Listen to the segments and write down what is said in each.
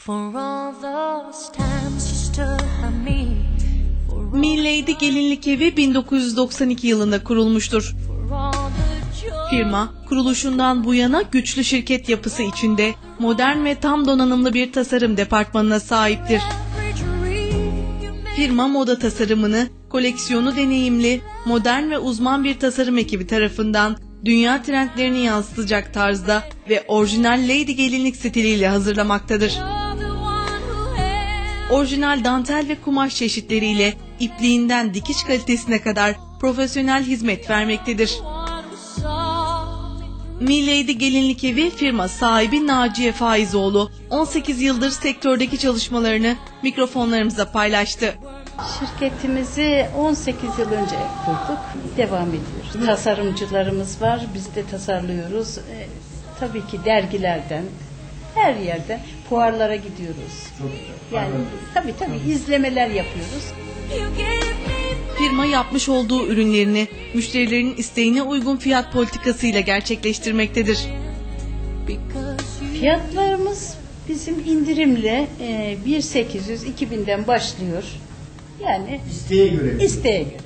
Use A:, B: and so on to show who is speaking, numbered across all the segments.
A: For all those times you stood by me.
B: Millady Gelinlik Evi 1992 yılında kurulmuştur.
A: For all the joy.
B: Firma, kuruluşundan bu yana güçlü şirket yapısı içinde modern ve tam donanımlı bir tasarım departmanına sahiptir.
A: Every dream you made.
B: Firma moda tasarımını, koleksiyonu deneyimli, modern ve uzman bir tasarım ekibi tarafından dünya trendlerini yansıtacak tarzda ve orijinal Lady gelinlik stiliyle hazırlamaktadır.
A: You're the one who held.
B: Orijinal dantel ve kumaş çeşitleriyle ipliğinden dikiş kalitesine kadar profesyonel hizmet vermektedir.
A: One who saw me through.
B: Millady Gelinlik Evi firma sahibi Naciye Faizoğlu 18 yıldır sektördeki çalışmalarını mikrofonlarımıza paylaştı.
C: Şirketimizi 18 yıl önce kurduk. Devam ediyoruz. Tasarımcılarımız var. Biz de tasarlıyoruz. Tabii ki dergilerden, her yerden fuarlara gidiyoruz. Yani tabii izlemeler yapıyoruz.
A: You gave me
B: Firma yapmış olduğu ürünlerini müşterilerin isteğine uygun fiyat politikasıyla gerçekleştirmektedir.
A: because you.
C: Fiyatlarımız bizim indirimle 1.800-2.000'den başlıyor. Yani
D: İsteğe göre.
C: isteğe göre,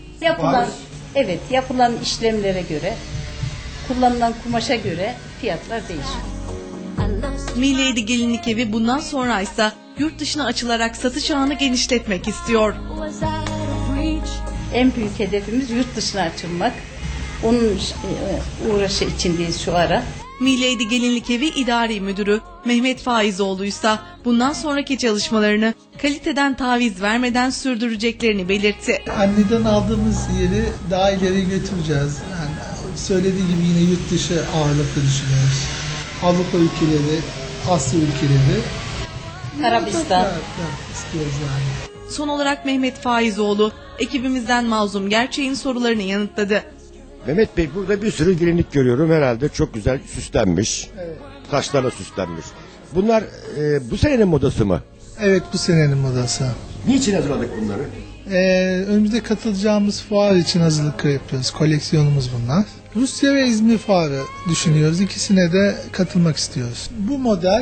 C: evet. Yapılan işlemlere göre, kullanılan kumaşa göre fiyatlar değişiyor.
A: I lost
B: Millady Gelinlik Evi bundan sonra ise yurt dışına açılarak satış ağını genişletmek istiyor.
A: was out of reach.
C: En büyük hedefimiz yurt dışına açılmak. Onun uğraşı içindeyiz şu ara.
B: Millady Gelinlik Evi İdari Müdürü Mehmet Faizoğlu ise bundan sonraki çalışmalarını kaliteden taviz vermeden sürdüreceklerini belirtti.
E: Anneden aldığımız yeri daha ileri götüreceğiz. Yani söylediği gibi yine yurt dışı ağırlıklı düşünüyoruz. Avrupa ülkeleri, Asya ülkeleri.
C: Arabistan.
E: Evet, istiyoruz yani.
B: Son olarak Mehmet Faizoğlu ekibimizden Mazlum Gerçek'in sorularını yanıtladı.
D: Mehmet Bey, burada bir sürü gelinlik görüyorum, herhalde çok güzel süslenmiş.
E: Evet.
D: Taşlarla süslenmiş. Bunlar bu senenin modası mı?
E: Evet, bu senenin modası.
D: Niçin hazırladık bunları?
E: Önümüzde katılacağımız fuar için hazırlık yapıyoruz. Koleksiyonumuz bunlar. Rusya ve İzmir fuarı düşünüyoruz. İkisine de katılmak istiyoruz. Bu model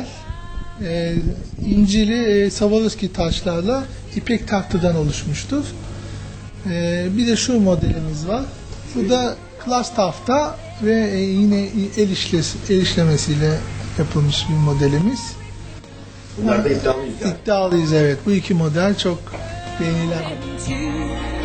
E: incili Swarovski taşlarla ipek tahtadan oluşmuştur. Bir de şu modelimiz var. Bu da klas tahta ve yine el işlemesiyle yapılmış bir modelimiz.
D: Bunlar da iddialıyız yani.
E: İddialıyız, evet. Bu iki model çok beğenilen.
A: To